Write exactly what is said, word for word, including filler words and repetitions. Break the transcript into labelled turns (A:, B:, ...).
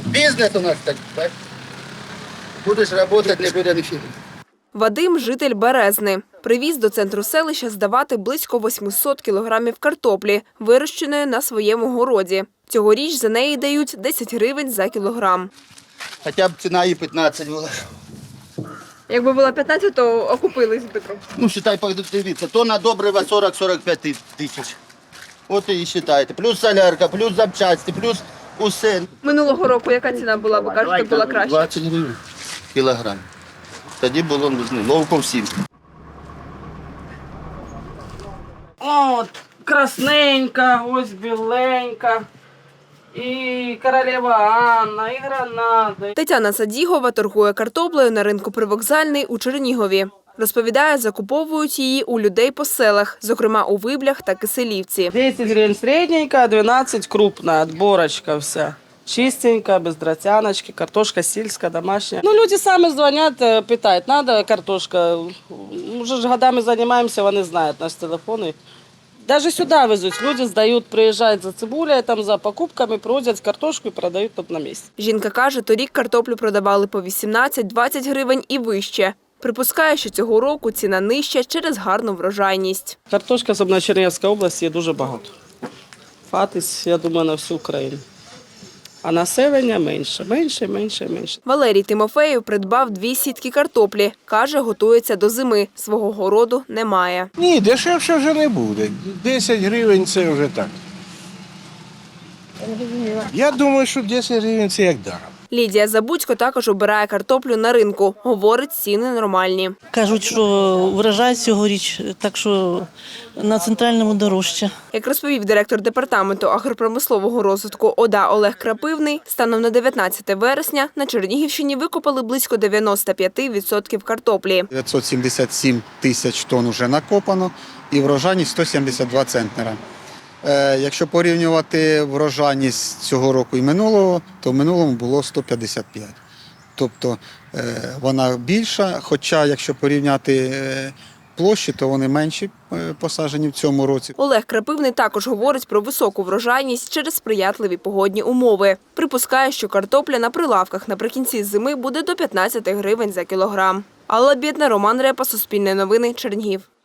A: Бізнес у нас такий. Будеш працювати, не буде нічого.
B: Вадим – житель Березни. Привіз до центру селища здавати близько восьмисот кілограмів картоплі, вирощеної на своєму городі. Цьогоріч за неї дають десять гривень за кілограм.
A: Хоча б ціна і п'ятнадцять була.
B: Якби була п'ятнадцять, то окупились би трохи.
A: Ну, вважай, дивіться, то на добрива сорок-сорок п'ять тисяч. От і вважайте. Плюс солярка, плюс запчасті, плюс усе.
B: Минулого року яка ціна була, ви кажете, була краще?
A: двадцять гривень кілограм. Тоді було ну, ловко всім.
C: От, красненька, ось біленька, і королева Анна, і гранада.
B: Тетяна Садігова торгує картоплею на ринку Привокзальний у Чернігові. Розповідає, закуповують її у людей по селах, зокрема у Виблях та Киселівці.
C: десять гривень середненька, дванадцять крупна, отборочка вся. Чистенька, без дротяночки, картошка сільська, домашня. Ну, люди самі дзвонять, питають, треба картошка. Уже ж годами займаємося, вони знають наші телефони. Навіть сюди везуть, люди здають, приїжджають за цибулею, там, за покупками, привозять картошку і продають тут на місці.
B: Жінка каже, торік картоплю продавали по вісімнадцять-двадцять гривень і вище. Припускає, що цього року ціна нижча через гарну врожайність.
C: Картошка, особливо в Чернігівській області, є дуже багато. Хватить, я думаю, на всю Україну. А населення менше, менше, менше, менше.
B: Валерій Тимофеєв придбав дві сітки картоплі. Каже, готується до зими. Свого городу немає.
D: Ні, дешевше вже не буде. десять гривень – це вже так. Я думаю, що десять гривень – це як даром.
B: Лідія Забудько також обирає картоплю на ринку. Говорить, ціни нормальні.
E: Кажуть, що врожай цьогоріч, так що на центральному дорожче.
B: Як розповів директор департаменту агропромислового розвитку ОДА Олег Крапивний, станом на дев'ятнадцяте вересня на Чернігівщині викопали близько дев'яносто п'ять відсотків картоплі.
F: дев'ятсот сімдесят сім тисяч тонн вже накопано і врожайність сто сімдесят два центнера. Якщо порівнювати врожайність цього року і минулого, то в минулому було сто п'ятдесят п'ять. Тобто вона більша, хоча якщо порівняти площі, то вони менші посаджені в цьому році.
B: Олег Крапивний також говорить про високу врожайність через сприятливі погодні умови. Припускає, що картопля на прилавках наприкінці зими буде до п'ятнадцяти гривень за кілограм. Алла Бєдна, Роман Репа, Суспільне новини, Чернігів.